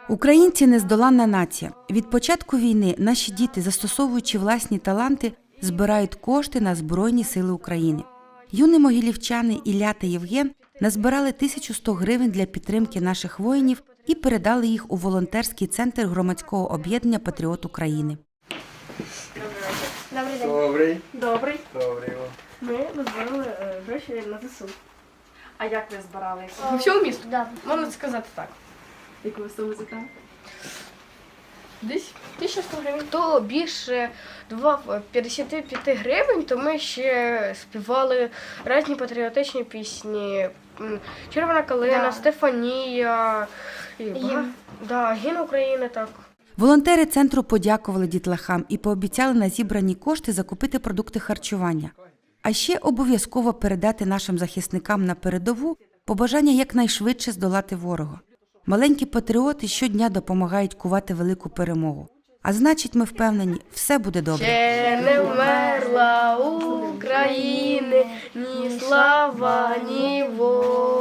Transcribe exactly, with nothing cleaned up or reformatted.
Українці – нездоланна нація. Від початку війни наші діти, застосовуючи власні таланти, збирають кошти на Збройні сили України. Юні могилівчани Ілля та Євген назбирали тисячу сто гривень для підтримки наших воїнів і передали їх у волонтерський центр громадського об'єднання «Патріот України». Добрий день. Добрий. Добрий. Добрий. Ми назбирали е, гроші на ЗСУ. А як ви збирали? По всьому місту? Да. Можна сказати так. Яку суму зібрали? Десь тисяча сто гривень. Хто більше давав п'ятдесят п'ять гривень, то ми ще співали різні патріотичні пісні. М, Червона калина, Да. Стефанія, і бага- Гімн. Да, гімн України, так. Волонтери центру подякували дітлахам і пообіцяли на зібрані кошти закупити продукти харчування. А ще обов'язково передати нашим захисникам на передову побажання якнайшвидше здолати ворога. Маленькі патріоти щодня допомагають кувати велику перемогу. А значить, ми впевнені, все буде добре. Ще не вмерла України ні слава, ні воля.